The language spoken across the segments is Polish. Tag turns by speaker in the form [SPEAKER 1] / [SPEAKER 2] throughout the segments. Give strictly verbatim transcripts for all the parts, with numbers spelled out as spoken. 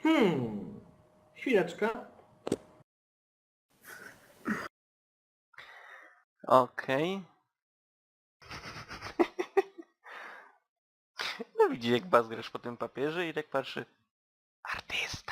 [SPEAKER 1] Hmm. Chwileczkę.
[SPEAKER 2] Okej. No widzi jak bazgrasz po tym papierze i tak patrzy. Artysta.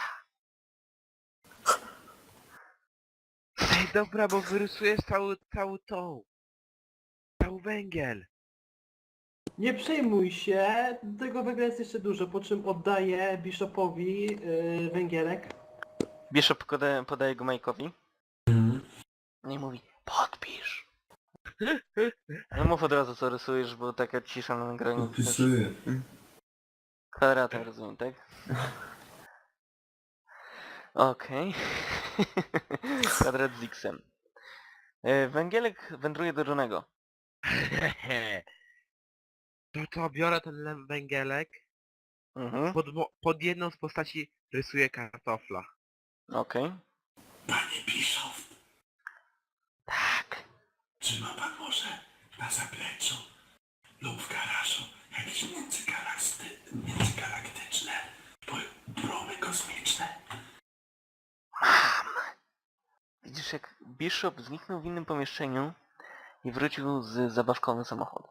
[SPEAKER 3] Ej, dobra, bo wyrysujesz cały, cały tą. Cały węgiel.
[SPEAKER 1] Nie przejmuj się, tego węgla jest jeszcze dużo, po czym oddaję Bishopowi yy, węgielek.
[SPEAKER 2] Bishop podaje, podaje go Majkowi. Nie mówi, podpisz. No mów od razu co rysujesz, bo taka cisza na nagraniu.
[SPEAKER 4] Podpisuję.
[SPEAKER 2] Kwadratem rozumiem, tak? Okej. Kwadrat z X-em. E, Węgielek wędruje do Johnego.
[SPEAKER 3] To co, biorę ten le- węgielek,
[SPEAKER 2] Mhm.
[SPEAKER 3] pod, mo- pod jedną z postaci rysuję kartofla.
[SPEAKER 2] Okej.
[SPEAKER 4] Panie Bischof,
[SPEAKER 2] Tak.
[SPEAKER 4] czy ma pan może na zapleczu lub w garażu jakieś międzygalakty- międzygalaktyczne po- promy kosmiczne?
[SPEAKER 2] Mam. Widzisz jak Bishop zniknął w innym pomieszczeniu i wrócił z zabawkowym samochodem.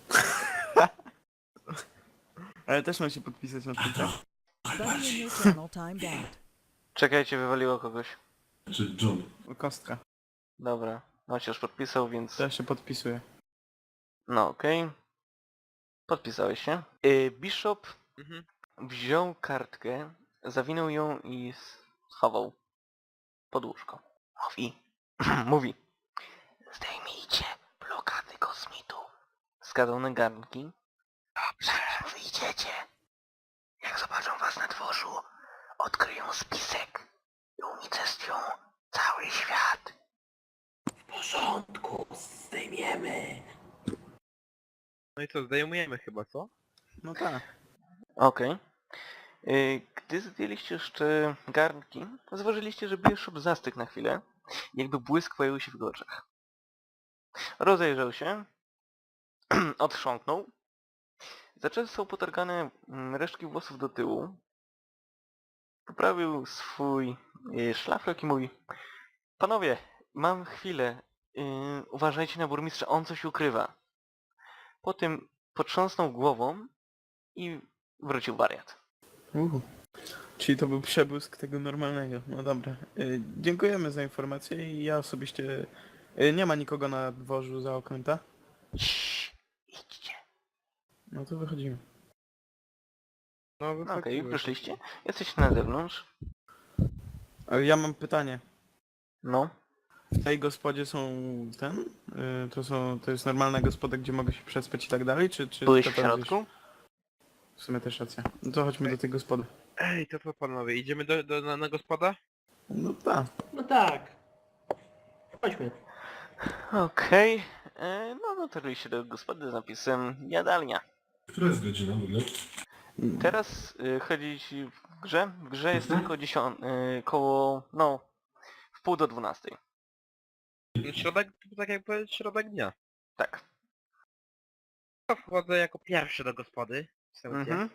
[SPEAKER 5] Ale też mam się podpisać na
[SPEAKER 4] A
[SPEAKER 5] tym.
[SPEAKER 4] to trochę
[SPEAKER 6] Buddy in
[SPEAKER 4] bardziej.
[SPEAKER 6] your channel timed out.
[SPEAKER 2] Czekajcie, wywaliło kogoś.
[SPEAKER 4] Czy John?
[SPEAKER 5] Kostka.
[SPEAKER 2] Dobra. No się już podpisał, więc...
[SPEAKER 5] To ja się podpisuję.
[SPEAKER 2] No okej. Podpisałeś się. Y, Bishop
[SPEAKER 3] Mhm.
[SPEAKER 2] wziął kartkę, zawinął ją i schował pod łóżko. Mówi. Mówi. Zdejmijcie blokady kosmitu. Wskazał na garnki. Zanim wyjdziecie. Jak zobaczą was na dworzu, odkryją spisek i unicestwią cały świat.
[SPEAKER 1] W porządku, zdejmiemy.
[SPEAKER 3] No i co, zdejmujemy chyba, co?
[SPEAKER 5] No tak.
[SPEAKER 2] Okej. Y, Gdy zdjęliście jeszcze garnki, zauważyliście, że Bishop zastygł na chwilę, jakby błysk pojawił się w jego oczach. Rozejrzał się, otrząknął, zaczesał potargane mm, resztki włosów do tyłu, poprawił swój y, szlafrok i mówi: Panowie, mam chwilę, y, uważajcie na burmistrza, on coś ukrywa. Po tym potrząsnął głową i wrócił wariat.
[SPEAKER 5] Uhu. Czyli to był przebłysk tego normalnego. No dobra. Y, dziękujemy za informację i ja osobiście... Y, nie ma nikogo na dworzu za oknem, tak?
[SPEAKER 2] Ciii, idźcie.
[SPEAKER 5] No to wychodzimy.
[SPEAKER 3] No
[SPEAKER 2] No okej,
[SPEAKER 3] wychodzimy.
[SPEAKER 2] wyszliście? Jesteście na zewnątrz.
[SPEAKER 5] Ale ja mam pytanie.
[SPEAKER 2] No.
[SPEAKER 5] W tej gospodzie są ten? Y, to są... To jest normalna gospoda, gdzie mogę się przespać i tak dalej? Czy... czy
[SPEAKER 2] Byłeś
[SPEAKER 5] to
[SPEAKER 2] w
[SPEAKER 5] tam
[SPEAKER 2] środku?
[SPEAKER 5] gdzieś- W sumie też racja. No to chodźmy do tej gospody.
[SPEAKER 3] Ej, to co panowie, idziemy do, do, na, na gospoda?
[SPEAKER 5] No tak.
[SPEAKER 1] No tak. Chodźmy.
[SPEAKER 2] Okej. E, No dotarliście do gospody z napisem jadalnia.
[SPEAKER 4] Która jest godzina w ogóle?
[SPEAKER 2] Teraz y, chodzi ci w grze. W grze jest tylko dziesiąt, y, koło, no, w pół do dwunastej.
[SPEAKER 3] No, środek, tak jak powiedzieć, środek dnia.
[SPEAKER 2] Tak.
[SPEAKER 3] To wchodzę jako pierwszy do gospody. Wstępnie.
[SPEAKER 2] Mhm.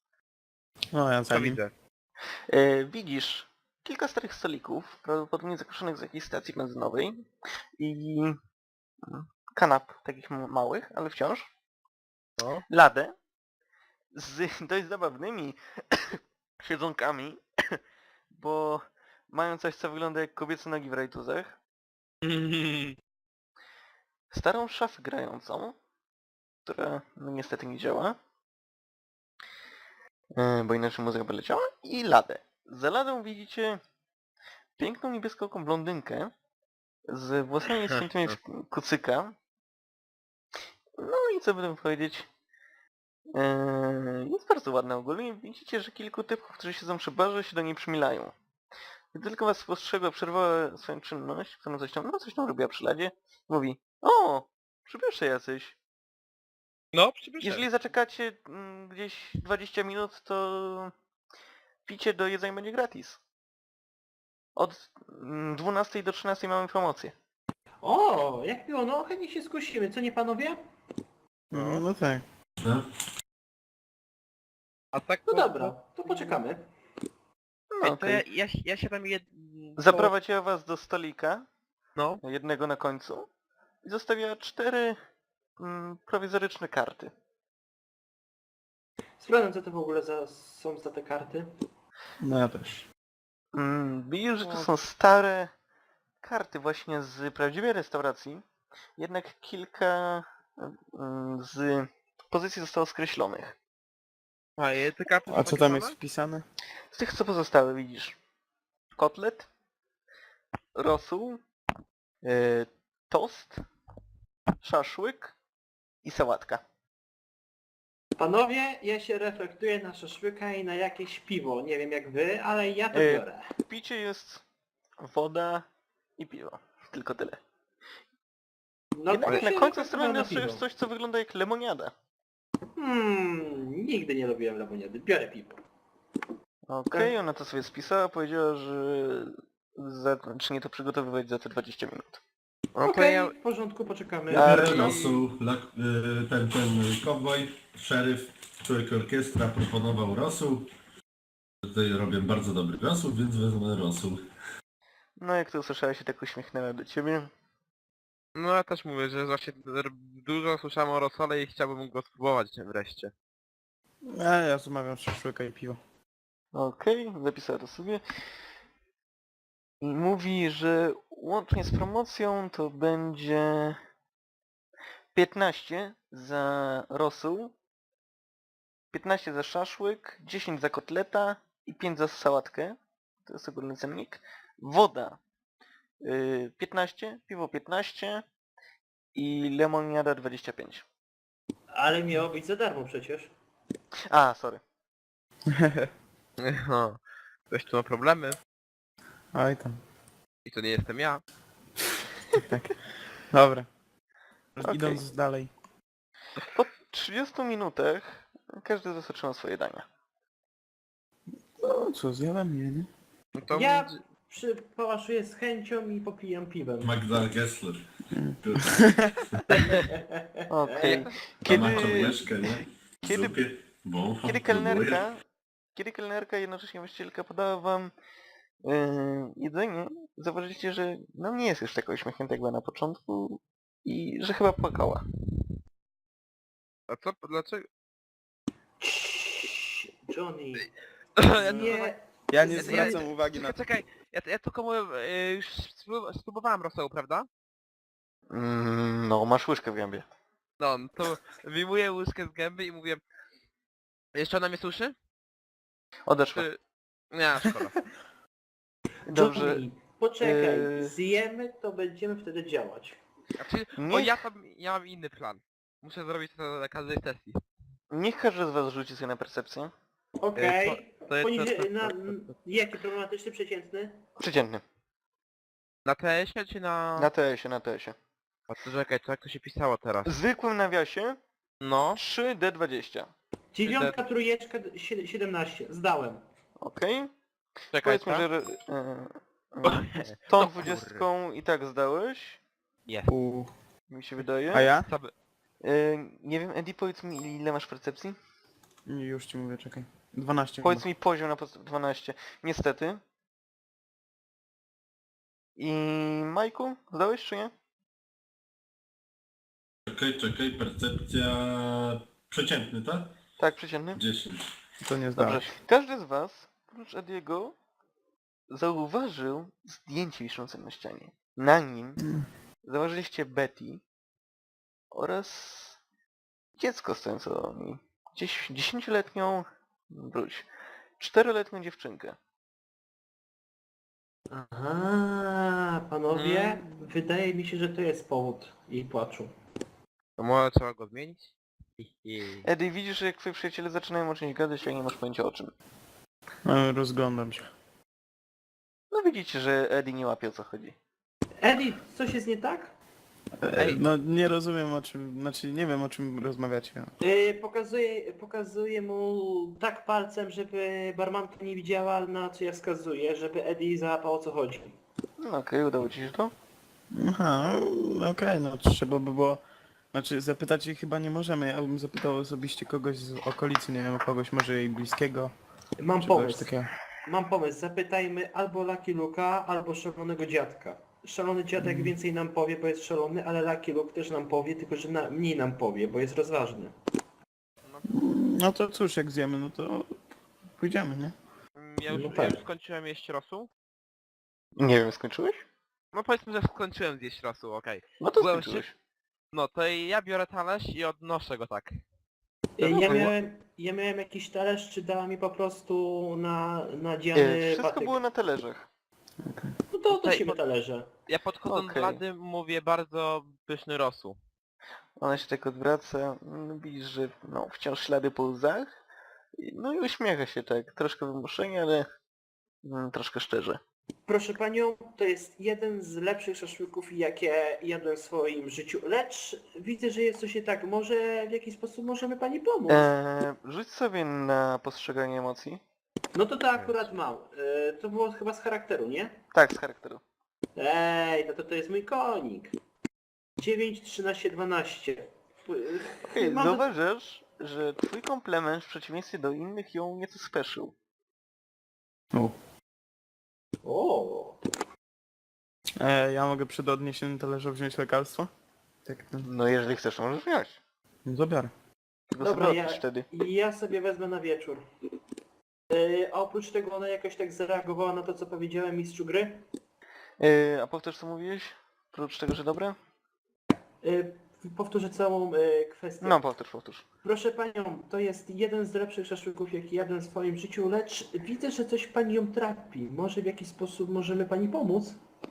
[SPEAKER 5] No ja
[SPEAKER 3] Co
[SPEAKER 5] za nim.
[SPEAKER 3] widzę?
[SPEAKER 2] E, Widzisz kilka starych stolików, prawdopodobnie zakruszonych z jakiejś stacji benzynowej i mm, kanap takich m- małych, ale wciąż.
[SPEAKER 3] No.
[SPEAKER 2] Ladę z dość zabawnymi siedzonkami, bo mają coś, co wygląda jak kobiece nogi w rajtuzach. Starą szafę grającą, która no, niestety nie działa, e, bo inaczej muzyka by leciała, i ladę. Za ladą widzicie piękną niebieskooką blondynkę z włosami ściętymi w kucyka. No i co by tam powiedzieć? Eee, jest bardzo ładna ogólnie. Widzicie, że kilku typów, którzy siedzą przy barze, się do niej przymilają. Gdy tylko was spostrzegła, przerwała swoją czynność, którą coś tam, no coś tam robiła przy ladzie, mówi: O! Przybysze jacyś.
[SPEAKER 3] No, przybyszę.
[SPEAKER 2] Jeżeli zaczekacie mm, gdzieś dwadzieścia minut, to picie do jedzenia będzie gratis. Od mm, dwunastej do trzynastej mamy promocję.
[SPEAKER 1] O, jak miło, no chętnie się skusimy, co nie panowie?
[SPEAKER 5] No, no tak.
[SPEAKER 4] No.
[SPEAKER 3] A tak
[SPEAKER 1] No
[SPEAKER 3] po-
[SPEAKER 1] dobra, to poczekamy.
[SPEAKER 2] No
[SPEAKER 3] Ej, to
[SPEAKER 2] okej.
[SPEAKER 3] ja, ja, ja się tam jed... to-
[SPEAKER 2] Zaprowadziła was do stolika,
[SPEAKER 3] No,
[SPEAKER 2] jednego na końcu, i zostawiła cztery mm, prowizoryczne karty.
[SPEAKER 1] Sprawdzam, co to w ogóle za, są za te karty.
[SPEAKER 5] No ja też.
[SPEAKER 2] Mm, widzisz, że to
[SPEAKER 3] No.
[SPEAKER 2] są stare karty właśnie z prawdziwej restauracji, jednak kilka mm, z pozycji zostało skreślonych.
[SPEAKER 3] a je- te karty
[SPEAKER 5] A
[SPEAKER 3] są
[SPEAKER 5] co
[SPEAKER 3] takie
[SPEAKER 5] tam
[SPEAKER 3] same?
[SPEAKER 5] jest wpisane?
[SPEAKER 2] Z tych co pozostałe widzisz kotlet, rosół, yy, tost, szaszłyk i sałatka.
[SPEAKER 1] Panowie, ja się reflektuję na szaszłyka i na jakieś piwo. Nie wiem jak wy, ale ja to
[SPEAKER 2] Ej.
[SPEAKER 1] biorę.
[SPEAKER 2] W picie jest woda i piwo. Tylko tyle.
[SPEAKER 1] No
[SPEAKER 2] Jednak
[SPEAKER 1] to
[SPEAKER 2] na
[SPEAKER 1] się
[SPEAKER 2] końcu
[SPEAKER 1] reflektuję
[SPEAKER 2] strony
[SPEAKER 1] na
[SPEAKER 2] dostajesz
[SPEAKER 1] piwo.
[SPEAKER 2] coś, co wygląda jak lemoniada.
[SPEAKER 1] Hmm, nigdy nie lubiłem lemoniady. Biorę piwo.
[SPEAKER 2] Okej,
[SPEAKER 1] Tak.
[SPEAKER 2] ona to sobie spisała, powiedziała, że zacznie to przygotowywać za te dwadzieścia minut.
[SPEAKER 3] No to
[SPEAKER 1] Okej,
[SPEAKER 3] ja...
[SPEAKER 1] w porządku, poczekamy.
[SPEAKER 2] A,
[SPEAKER 4] Biorę
[SPEAKER 2] czyli-
[SPEAKER 4] losu, lak, y, ten, ten kowboj, szeryf, człowiek orkiestra proponował rosół. Tutaj robię bardzo dobry rosół, więc wezmę rosół.
[SPEAKER 2] No jak to usłyszałeś, się tak uśmiechnęła do ciebie.
[SPEAKER 3] No ja też mówię, że właśnie r- dużo słyszałem o rosole i chciałbym go spróbować wreszcie.
[SPEAKER 5] A ja zamawiam szaszłyka i piwo.
[SPEAKER 2] Okej, zapisała to sobie. I mówi, że łącznie z promocją to będzie piętnaście za rosół, piętnaście za szaszłyk, dziesięć za kotleta i pięć za sałatkę. To jest ogólny cennik. Woda yy, piętnaście, piwo piętnaście i lemoniada dwadzieścia pięć.
[SPEAKER 1] Ale miało być za darmo przecież.
[SPEAKER 2] A, sorry.
[SPEAKER 3] No, ktoś tu ma problemy
[SPEAKER 5] Oj tam.
[SPEAKER 3] i to nie jestem ja.
[SPEAKER 5] Tak. Dobra.
[SPEAKER 2] Okej.
[SPEAKER 5] Idąc dalej.
[SPEAKER 2] Po trzydziestu minutach każdy z was otrzymał swoje dania.
[SPEAKER 5] No co, zjadam je, nie?
[SPEAKER 3] No to
[SPEAKER 1] Ja
[SPEAKER 3] będzie-
[SPEAKER 1] przy, pałaszuję z chęcią i popijam piwem.
[SPEAKER 4] Magdal Gessler.
[SPEAKER 2] Okej.
[SPEAKER 4] Kiedy... Ma
[SPEAKER 2] Kiedy,
[SPEAKER 4] łyżkę, nie? W
[SPEAKER 2] kiedy-
[SPEAKER 4] zupie. Bo,
[SPEAKER 2] kiedy kelnerka, kiedy kelnerka, jednocześnie właścicielka podała wam yy, jedzenie, zauważyliście, że no nie jest już taka uśmiechnięta jak była na początku i że chyba płakała.
[SPEAKER 3] A co, dlaczego?
[SPEAKER 1] Ciii, Johnny,
[SPEAKER 3] Ja
[SPEAKER 1] nie...
[SPEAKER 5] Ja nie
[SPEAKER 3] Ja-
[SPEAKER 5] zwracam
[SPEAKER 3] ja-
[SPEAKER 5] uwagi na
[SPEAKER 3] Czekaj, czekaj, ja, ja tylko mówię, e, już spró- spróbowałem rosołu, prawda?
[SPEAKER 2] Mm, no, masz łyżkę w gębie.
[SPEAKER 3] No, to wyjmuję łyżkę z gęby i mówię... Jeszcze ona mnie słyszy?
[SPEAKER 2] Odeszła.
[SPEAKER 3] Czy... Nie, szkoda.
[SPEAKER 2] Dobrze.
[SPEAKER 1] Johnny, poczekaj,
[SPEAKER 2] Yy.
[SPEAKER 1] zjemy, to będziemy wtedy działać.
[SPEAKER 3] Znaczy, o
[SPEAKER 2] Niech,
[SPEAKER 3] ja tam, ja mam inny plan. Muszę zrobić to na każdej sesji.
[SPEAKER 2] niech każdy z was rzuci sobie na percepcję.
[SPEAKER 1] Okej.
[SPEAKER 3] to- to jest-
[SPEAKER 1] Poniżej,
[SPEAKER 3] to- to-
[SPEAKER 1] na...
[SPEAKER 3] to- to- to-
[SPEAKER 1] Jaki problematyczny, przeciętny?
[SPEAKER 2] Przeciętny.
[SPEAKER 3] Na T S-ie czy na...
[SPEAKER 2] Na T S-ie, na T S-ie.
[SPEAKER 3] A to czekaj, to jak to się pisało teraz?
[SPEAKER 2] W zwykłym nawiasie
[SPEAKER 3] No.
[SPEAKER 2] trzy D dwadzieścia.
[SPEAKER 1] Dziewiątka, trójeczka, si- siedemnaście. Zdałem.
[SPEAKER 2] Okej.
[SPEAKER 3] Czekaj,
[SPEAKER 2] Powiedzmy,
[SPEAKER 3] co?
[SPEAKER 2] że e, e, tą
[SPEAKER 3] No
[SPEAKER 2] dwudziestką i tak zdałeś,
[SPEAKER 3] Jest.
[SPEAKER 5] U.
[SPEAKER 2] mi się wydaje.
[SPEAKER 5] A ja?
[SPEAKER 3] Co by...
[SPEAKER 2] E, nie wiem, Eddie, powiedz mi ile masz percepcji?
[SPEAKER 5] Już ci mówię, czekaj. dwanaście
[SPEAKER 2] Powiedz
[SPEAKER 5] chyba.
[SPEAKER 2] mi poziom na podstawie dwanaście. Niestety. I Majku, zdałeś czy nie?
[SPEAKER 4] Czekaj, czekaj, percepcja... Przeciętny, tak?
[SPEAKER 2] Tak, przeciętny.
[SPEAKER 4] dziesięć.
[SPEAKER 5] To nie
[SPEAKER 2] Dobrze.
[SPEAKER 5] zdałeś.
[SPEAKER 2] Każdy z was, oprócz Ediego, zauważył zdjęcie wiszące na ścianie. Na nim
[SPEAKER 5] Mm.
[SPEAKER 2] zauważyliście Betty oraz dziecko stojące do niej. Gdzieś dziesięcioletnią, wróć, czteroletnią dziewczynkę.
[SPEAKER 1] Aha, panowie,
[SPEAKER 3] Mm.
[SPEAKER 1] wydaje mi się, że to jest powód jej płaczu.
[SPEAKER 3] To może trzeba go zmienić? Hi, hi.
[SPEAKER 2] Eddie, widzisz, że jak twoi przyjaciele zaczynają o czymś gadać, a nie masz pojęcia o czym.
[SPEAKER 5] No, rozglądam się.
[SPEAKER 2] No widzicie, że Eddie nie łapie o co chodzi.
[SPEAKER 1] Eddie, coś jest nie tak?
[SPEAKER 5] Ej, no nie rozumiem o czym, znaczy nie wiem o czym rozmawiacie.
[SPEAKER 1] Yy, pokazuję, pokazuję mu tak palcem, żeby barmanka nie widziała, na co ja wskazuję, żeby Eddie załapał o co chodzi.
[SPEAKER 2] No okej, udało ci się to?
[SPEAKER 5] Aha, no okej, no trzeba by było... Znaczy zapytać jej chyba nie możemy, ja bym zapytał osobiście kogoś z okolicy, nie wiem, kogoś może jej bliskiego,
[SPEAKER 1] Mam
[SPEAKER 5] czy kogoś
[SPEAKER 1] pomysł.
[SPEAKER 5] takiego.
[SPEAKER 1] mam pomysł, zapytajmy albo Lucky Luka, albo szalonego dziadka. Szalony dziadek więcej nam powie, bo jest szalony, ale Lucky Luke też nam powie, tylko że na, mniej nam powie, bo jest rozważny.
[SPEAKER 5] No to cóż, jak zjemy, no to pójdziemy, nie?
[SPEAKER 3] Mm, Ja już,
[SPEAKER 1] No
[SPEAKER 3] ja
[SPEAKER 1] tak.
[SPEAKER 3] już skończyłem jeść rosół.
[SPEAKER 2] Nie wiem, skończyłeś?
[SPEAKER 3] No powiedzmy, że skończyłem zjeść rosół, okej.
[SPEAKER 2] No to
[SPEAKER 3] Byłem
[SPEAKER 2] skończyłeś.
[SPEAKER 3] No to ja biorę talerz i odnoszę go tak.
[SPEAKER 1] Ja
[SPEAKER 2] było?
[SPEAKER 1] miałem, ja miałem jakiś talerz, czy dała mi po prostu na
[SPEAKER 2] E,
[SPEAKER 1] nadziany
[SPEAKER 2] wszystko
[SPEAKER 1] patyk.
[SPEAKER 2] było na talerzach.
[SPEAKER 1] No to
[SPEAKER 3] Tutaj
[SPEAKER 1] odnosimy
[SPEAKER 3] pod-
[SPEAKER 1] talerze.
[SPEAKER 3] Ja podchodząc
[SPEAKER 2] Okej.
[SPEAKER 3] do Lady mówię bardzo pyszny rosół.
[SPEAKER 2] Ona się tak odwraca, mm, widzisz, że no, wciąż ślady po łzach. I- No i uśmiecha się tak, troszkę wymuszenie, ale mm, troszkę szczerze.
[SPEAKER 1] Proszę panią, to jest jeden z lepszych szaszłyków, jakie jadłem w swoim życiu, lecz widzę, że jest coś nie tak. Może w jakiś sposób możemy pani pomóc?
[SPEAKER 2] Eee, rzuć sobie na postrzeganie emocji.
[SPEAKER 1] No to to akurat mam. E, to było chyba z charakteru, nie?
[SPEAKER 2] Tak, z charakteru.
[SPEAKER 1] Ej, no to to jest mój konik. dziewięć, trzynaście, dwanaście.
[SPEAKER 2] Okej,
[SPEAKER 1] Mam-
[SPEAKER 2] zauważasz, że twój komplement w przeciwieństwie do innych ją nieco speszył.
[SPEAKER 1] O,
[SPEAKER 5] E, ja mogę przed odniesieniem talerza wziąć lekarstwo? Tak, no,
[SPEAKER 2] No jeżeli chcesz, to możesz wziąć.
[SPEAKER 5] no zabiorę.
[SPEAKER 2] Tylko
[SPEAKER 1] Dobra,
[SPEAKER 2] sobie
[SPEAKER 1] ja,
[SPEAKER 2] odpisz wtedy.
[SPEAKER 1] ja sobie wezmę na wieczór. E, a oprócz tego ona jakoś tak zareagowała na to, co powiedziałem mistrzu gry.
[SPEAKER 2] Eee, a powtórz co mówiłeś? Oprócz tego, że dobre?
[SPEAKER 1] E, powtórzę całą e, kwestię.
[SPEAKER 2] No powtórz, powtórz.
[SPEAKER 1] Proszę panią, to jest jeden z lepszych szaszłyków, jaki jadłem w swoim życiu, lecz widzę, że coś pani ją trapi. Może w jakiś sposób możemy pani pomóc?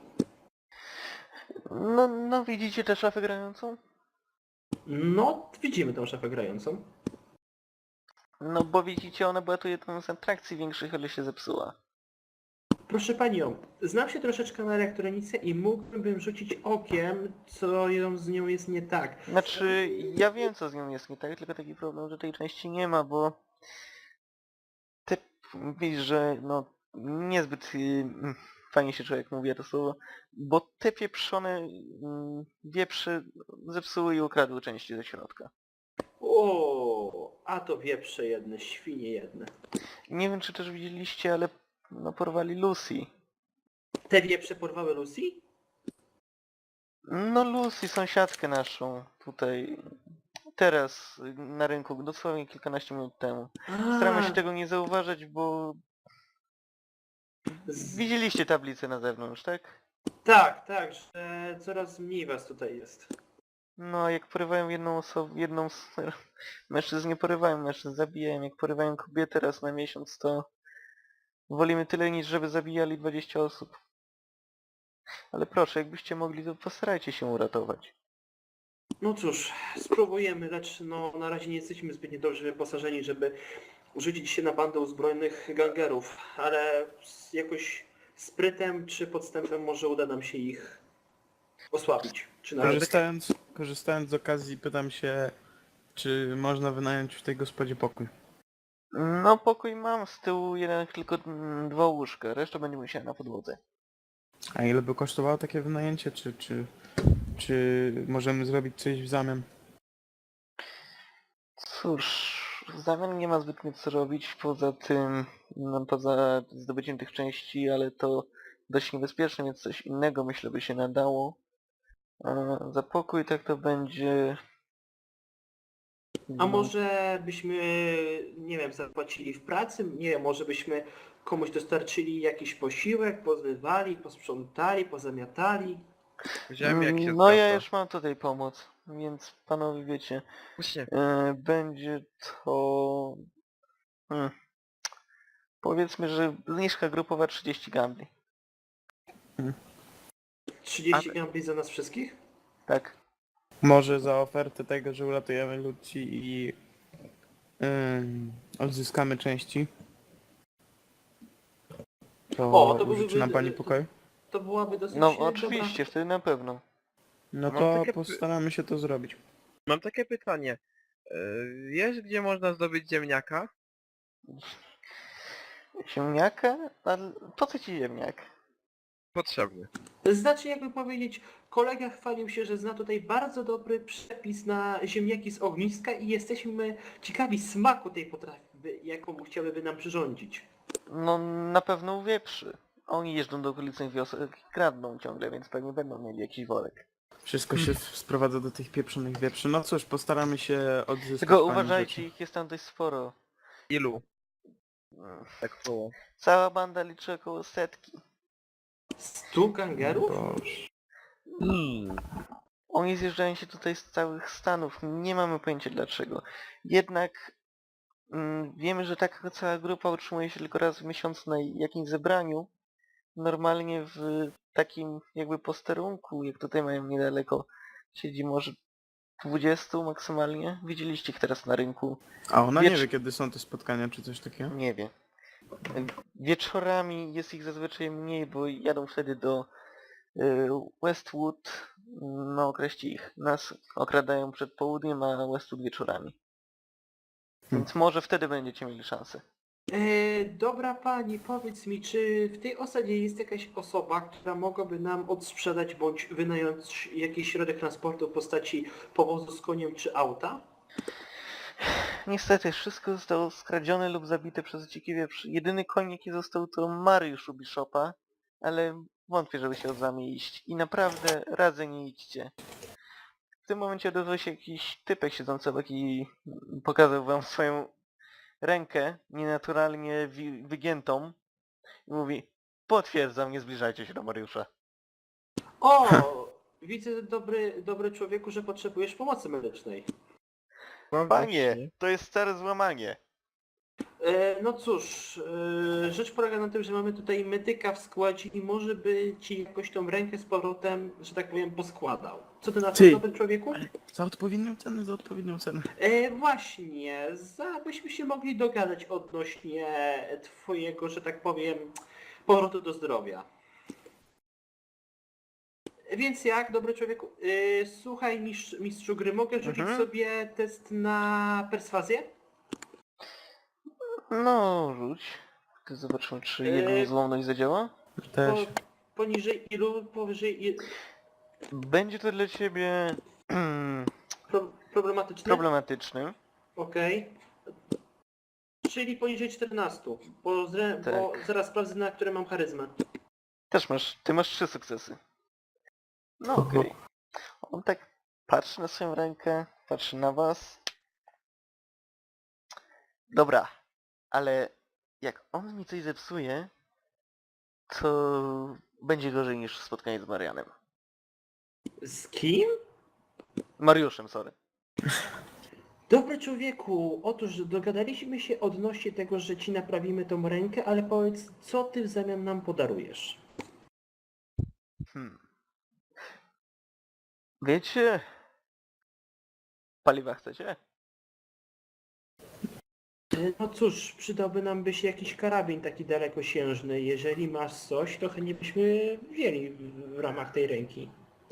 [SPEAKER 2] No, no widzicie tę szafę grającą?
[SPEAKER 1] No, widzimy tą szafę grającą.
[SPEAKER 2] No bo widzicie, ona była tu jedną z atrakcji większych, ale się zepsuła.
[SPEAKER 1] Proszę panią, znam się troszeczkę na elektronice i mógłbym rzucić okiem, co ją z nią jest nie tak.
[SPEAKER 2] Znaczy, ja wiem co z nią jest nie tak, tylko taki problem, że tej części nie ma, bo... Ty widzisz, że no niezbyt y, fajnie się człowiek mówi to słowo, bo te pieprzone y, wieprze zepsuły i ukradły części ze środka.
[SPEAKER 1] O, a to wieprze jedne, świnie jedne.
[SPEAKER 2] Nie wiem czy też widzieliście, ale no porwali Lucy.
[SPEAKER 1] Te wieprze porwały Lucy?
[SPEAKER 2] No Lucy, sąsiadkę naszą tutaj, teraz y, na rynku, dosłownie kilkanaście minut temu. Staramy się
[SPEAKER 1] A,
[SPEAKER 2] tego nie zauważać, bo
[SPEAKER 1] z...
[SPEAKER 2] widzieliście tablicę na zewnątrz, tak?
[SPEAKER 1] Tak, tak, że coraz mniej was tutaj jest.
[SPEAKER 2] No, jak porywają jedną osobę, jedną z... Mężczyzn nie porywają, mężczyzn zabijają. Jak porywają kobietę raz na miesiąc, to wolimy tyle niż żeby zabijali dwadzieścia osób. Ale proszę, jakbyście mogli, to postarajcie się uratować.
[SPEAKER 1] No cóż, spróbujemy, lecz no na razie nie jesteśmy zbytnio dobrze wyposażeni, żeby rzucić się na bandę uzbrojonych gangerów, ale z jakoś sprytem czy podstępem może uda nam się ich osłabić. Czy nawet...
[SPEAKER 5] Korzystając, korzystając z okazji pytam się, czy można wynająć w tej gospodzie pokój.
[SPEAKER 2] No, pokój mam z tyłu, jeden tylko mm, dwa łóżka, reszta będzie musiała na podłodze.
[SPEAKER 5] A ile by kosztowało takie wynajęcie, czy, czy, czy możemy zrobić coś w zamian?
[SPEAKER 2] Cóż, w zamian nie ma zbytnio co robić poza tym, no, poza zdobyciem tych części, ale to dość niebezpieczne, więc coś innego myślę by się nadało. A za pokój tak to będzie...
[SPEAKER 1] A może byśmy, nie wiem, zapłacili w pracy? Nie wiem, może byśmy komuś dostarczyli jakiś posiłek, pozmywali, posprzątali, pozamiatali?
[SPEAKER 3] Wziąłem jak się
[SPEAKER 2] No ja
[SPEAKER 3] zwraca.
[SPEAKER 2] już mam tutaj pomoc, więc panowie wiecie,
[SPEAKER 3] Właśnie,
[SPEAKER 2] e, będzie to... Hmm. Powiedzmy, że zniżka grupowa trzydzieści gambli.
[SPEAKER 1] trzydzieści gambli za nas wszystkich?
[SPEAKER 2] Tak.
[SPEAKER 5] Może za ofertę tego, że uratujemy ludzi i yy, odzyskamy części. To,
[SPEAKER 1] O, to
[SPEAKER 5] użyczy
[SPEAKER 1] byłby-
[SPEAKER 5] nam pani pokoju?
[SPEAKER 1] To byłaby dosyć
[SPEAKER 2] No
[SPEAKER 1] dobra-
[SPEAKER 2] oczywiście, wtedy na pewno.
[SPEAKER 5] No
[SPEAKER 3] Mam
[SPEAKER 5] to
[SPEAKER 3] takie py-
[SPEAKER 5] postaramy się to zrobić.
[SPEAKER 3] mam takie pytanie. Yy, Wiesz gdzie można zdobyć ziemniaka?
[SPEAKER 2] Ziemniaka? Ale po co ci ziemniak?
[SPEAKER 3] Potrzebny.
[SPEAKER 1] Znaczy, jakby powiedzieć, kolega chwalił się, że zna tutaj bardzo dobry przepis na ziemniaki z ogniska i jesteśmy ciekawi smaku tej potrawy, jaką chciałyby nam przyrządzić.
[SPEAKER 2] No na pewno u wieprzy. Oni jeżdżą do okolicznych wiosek i kradną ciągle, więc pewnie będą mieli jakiś worek.
[SPEAKER 5] Wszystko się sprowadza do tych pieprzonych wieprzy. No cóż, postaramy się odzyskać
[SPEAKER 2] Tylko
[SPEAKER 5] pani
[SPEAKER 2] uważajcie,
[SPEAKER 5] rzeczy.
[SPEAKER 2] ich jest tam dość sporo.
[SPEAKER 3] Ilu?
[SPEAKER 2] Mm.
[SPEAKER 3] Tak było.
[SPEAKER 2] Cała banda liczy około setki.
[SPEAKER 1] Stu gangerów?
[SPEAKER 5] Boże.
[SPEAKER 3] Hmm.
[SPEAKER 2] Oni zjeżdżają się tutaj z całych Stanów, nie mamy pojęcia dlaczego. Jednak mm, wiemy, że taka cała grupa utrzymuje się tylko raz w miesiącu na jakimś zebraniu. Normalnie w takim jakby posterunku, jak tutaj mają niedaleko, siedzi może dwudziestu maksymalnie. Widzieliście ich teraz na rynku.
[SPEAKER 5] A ona nie
[SPEAKER 2] Wiecz-
[SPEAKER 5] wie, kiedy są te spotkania, czy coś takiego?
[SPEAKER 2] Nie wie. Wieczorami jest ich zazwyczaj mniej, bo jadą wtedy do y, Westwood, no określi ich. Nas okradają przed południem, a Westwood wieczorami. Więc może wtedy będziecie mieli szansę.
[SPEAKER 1] E, dobra pani, powiedz mi, czy w tej osadzie jest jakaś osoba, która mogłaby nam odsprzedać bądź wynająć jakiś środek transportu w postaci powozu z koniem czy auta?
[SPEAKER 2] Niestety, wszystko zostało skradzione lub zabite przez dziki wieprz. Jedyny koń, jaki został, to Mariusz u Bishopa, ale wątpię, żeby się od wami iść. I naprawdę radzę, nie idźcie. W tym momencie odezwał się jakiś typek siedzący obok i pokazał wam swoją rękę, nienaturalnie wi- wygiętą. I mówi, potwierdzam, nie zbliżajcie się do Mariusza.
[SPEAKER 1] O, widzę dobry, dobry człowieku, że potrzebujesz pomocy medycznej.
[SPEAKER 3] No
[SPEAKER 2] Panie,
[SPEAKER 3] właśnie.
[SPEAKER 2] to jest stare złamanie.
[SPEAKER 1] E, no cóż, e, rzecz polega na tym, że mamy tutaj medyka w składzie i może by ci jakoś tą rękę z powrotem, że tak powiem, poskładał. Co ty na to,
[SPEAKER 5] Ty.
[SPEAKER 1] dobry człowieku?
[SPEAKER 5] Za odpowiednią cenę, za odpowiednią cenę.
[SPEAKER 1] E, właśnie, za, byśmy się mogli dogadać odnośnie twojego, że tak powiem, powrotu do zdrowia. Więc jak, dobry człowieku? E, słuchaj, mistrz, mistrzu gry, mogę rzucić
[SPEAKER 2] Mhm.
[SPEAKER 1] sobie test na perswazję?
[SPEAKER 2] No, rzuć. Ty zobaczymy, czy jego
[SPEAKER 1] Eee,
[SPEAKER 2] niezłomność zadziała.
[SPEAKER 1] Po,
[SPEAKER 5] Też.
[SPEAKER 1] poniżej ilu? Powyżej ilu?
[SPEAKER 2] Będzie to dla ciebie
[SPEAKER 1] Pro, problematyczne?
[SPEAKER 2] problematycznym.
[SPEAKER 1] Okej. Czyli poniżej czternastu, bo, zre, bo
[SPEAKER 2] Tak.
[SPEAKER 1] zaraz sprawdzę, na które mam charyzmę.
[SPEAKER 2] Też masz, ty masz trzy sukcesy. No okej. On tak patrzy na swoją rękę, patrzy na was. Dobra, ale jak on mi coś zepsuje, to będzie gorzej niż spotkanie z Marianem.
[SPEAKER 1] Z kim?
[SPEAKER 2] Mariuszem, sorry.
[SPEAKER 1] Dobry człowieku, otóż dogadaliśmy się odnośnie tego, że ci naprawimy tą rękę, ale powiedz, co ty w zamian nam podarujesz?
[SPEAKER 2] Hmm. Wiecie? Paliwa chcecie?
[SPEAKER 1] E, No cóż, przydałby nam by się jakiś karabin taki dalekosiężny. Jeżeli masz coś, to chętnie byśmy wzięli w, w ramach tej ręki.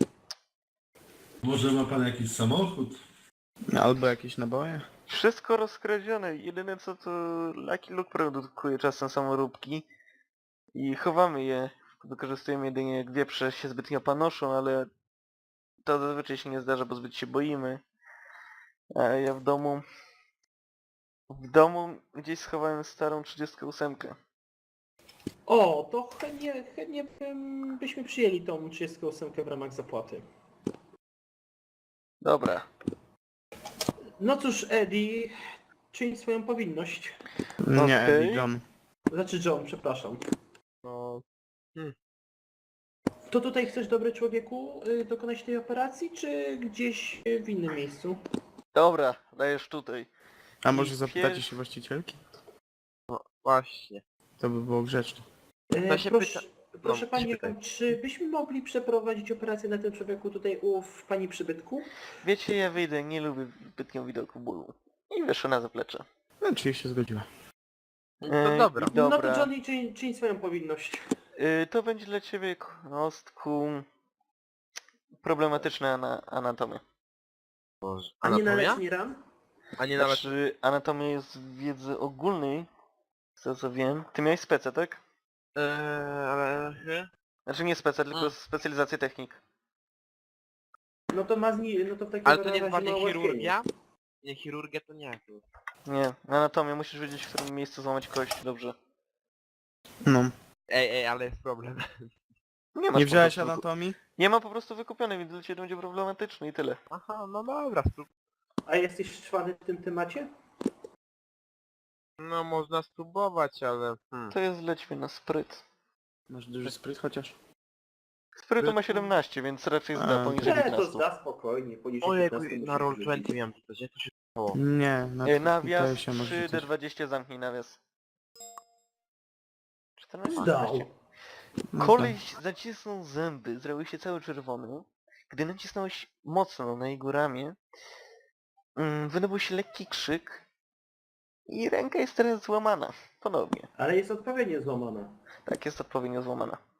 [SPEAKER 4] Może ma pan jakiś samochód?
[SPEAKER 5] Albo jakieś naboje.
[SPEAKER 2] Wszystko rozkradzione. Jedyne co to Lucky Luke produkuje czasem samoróbki i chowamy je. Wykorzystujemy jedynie jak wieprze się zbytnio panoszą, ale to zazwyczaj się nie zdarza, bo zbyt się boimy. A ja w domu... W domu gdzieś schowałem starą trzydziestkę osiem.
[SPEAKER 1] O, to chętnie, chętnie bym, byśmy przyjęli tą trzydziestą ósemkę w ramach zapłaty.
[SPEAKER 2] Dobra.
[SPEAKER 1] No cóż, Eddie, czyń swoją powinność.
[SPEAKER 5] Nie,
[SPEAKER 2] Okej.
[SPEAKER 5] Eddie, John.
[SPEAKER 1] Znaczy John, przepraszam.
[SPEAKER 3] No.
[SPEAKER 1] To tutaj chcesz, dobry człowieku, y, dokonać tej operacji, czy gdzieś y, w innym miejscu?
[SPEAKER 2] Dobra, dajesz tutaj.
[SPEAKER 5] A
[SPEAKER 2] I
[SPEAKER 5] może zapytacie
[SPEAKER 2] pier-
[SPEAKER 5] się właścicielki?
[SPEAKER 3] Właśnie.
[SPEAKER 5] To by było grzeczne.
[SPEAKER 1] E,
[SPEAKER 3] To się
[SPEAKER 1] proszę,
[SPEAKER 3] pyta-
[SPEAKER 1] proszę
[SPEAKER 3] no,
[SPEAKER 1] Pani,
[SPEAKER 3] się pytaj.
[SPEAKER 1] czy byśmy mogli przeprowadzić operację na tym człowieku tutaj u w Pani przybytku?
[SPEAKER 2] Wiecie, ja wyjdę, nie lubię zbytnio widoku bólu. I wyszło na zaplecze.
[SPEAKER 5] No, czyli się zgodziła.
[SPEAKER 3] No to
[SPEAKER 2] Ej,
[SPEAKER 3] dobra.
[SPEAKER 1] No to
[SPEAKER 2] Dobra.
[SPEAKER 1] Johnny, czyń, czyń swoją powinność.
[SPEAKER 2] Y, to będzie dla ciebie, kostku, problematyczna ana anatomia.
[SPEAKER 3] Boże.
[SPEAKER 1] A nie na
[SPEAKER 3] Anatomia?
[SPEAKER 1] leczenie ran?
[SPEAKER 3] A nie nawet...
[SPEAKER 2] Znaczy, anatomia jest w wiedzy ogólnej, z tego co wiem. Ty miałeś specę, tak?
[SPEAKER 3] Eee, ale... nie?
[SPEAKER 2] Znaczy nie specę, tylko
[SPEAKER 3] Mm.
[SPEAKER 2] specjalizację technik.
[SPEAKER 1] No to ma zni- no to w takim
[SPEAKER 3] Ale to nie
[SPEAKER 1] razie
[SPEAKER 3] jest
[SPEAKER 1] ma
[SPEAKER 3] bardziej
[SPEAKER 1] ułatwienie.
[SPEAKER 3] chirurgia? Nie, chirurgia to nie.
[SPEAKER 2] Nie, anatomię, musisz wiedzieć w którym miejscu złamać kość, dobrze.
[SPEAKER 5] No.
[SPEAKER 3] Ej, ej, ale jest problem.
[SPEAKER 2] Nie masz
[SPEAKER 5] Nie
[SPEAKER 2] po
[SPEAKER 5] wziąłeś
[SPEAKER 2] prostu wyku-
[SPEAKER 5] anatomii?
[SPEAKER 2] Nie ma po prostu wykupionej, więc dla ciebie będzie problematyczny i tyle.
[SPEAKER 3] Aha, no dobra, sprób...
[SPEAKER 1] A jesteś czwany w tym temacie?
[SPEAKER 3] No można spróbować, ale... Hmm.
[SPEAKER 2] To jest lećmy na spryt.
[SPEAKER 5] Masz duży spryt chociaż?
[SPEAKER 2] Sprytu ma
[SPEAKER 3] Sprytu?
[SPEAKER 2] siedemnaście, więc raczej zda
[SPEAKER 5] A,
[SPEAKER 2] poniżej
[SPEAKER 1] Nie, to
[SPEAKER 2] piętnaście.
[SPEAKER 1] zda spokojnie, poniżej
[SPEAKER 3] Ojejku,
[SPEAKER 1] piętnastu
[SPEAKER 3] na
[SPEAKER 1] musi
[SPEAKER 3] roll
[SPEAKER 1] wyrzucić.
[SPEAKER 3] dwadzieścia miałem czytać, jak to się stało?
[SPEAKER 5] Nie, na
[SPEAKER 2] E,
[SPEAKER 5] to
[SPEAKER 2] Nawias
[SPEAKER 5] się może
[SPEAKER 2] trzy D
[SPEAKER 5] rzucać.
[SPEAKER 2] dwadzieścia, zamknij nawias. czternaście.
[SPEAKER 1] Zdał.
[SPEAKER 5] No
[SPEAKER 2] Koleś zacisnął zęby, zrobił się cały czerwony. Gdy nacisnąłeś mocno na jego ramię, mm, wydobył się lekki krzyk i ręka jest teraz złamana. Ponownie.
[SPEAKER 1] Ale jest odpowiednio złamana.
[SPEAKER 2] Tak, jest odpowiednio złamana.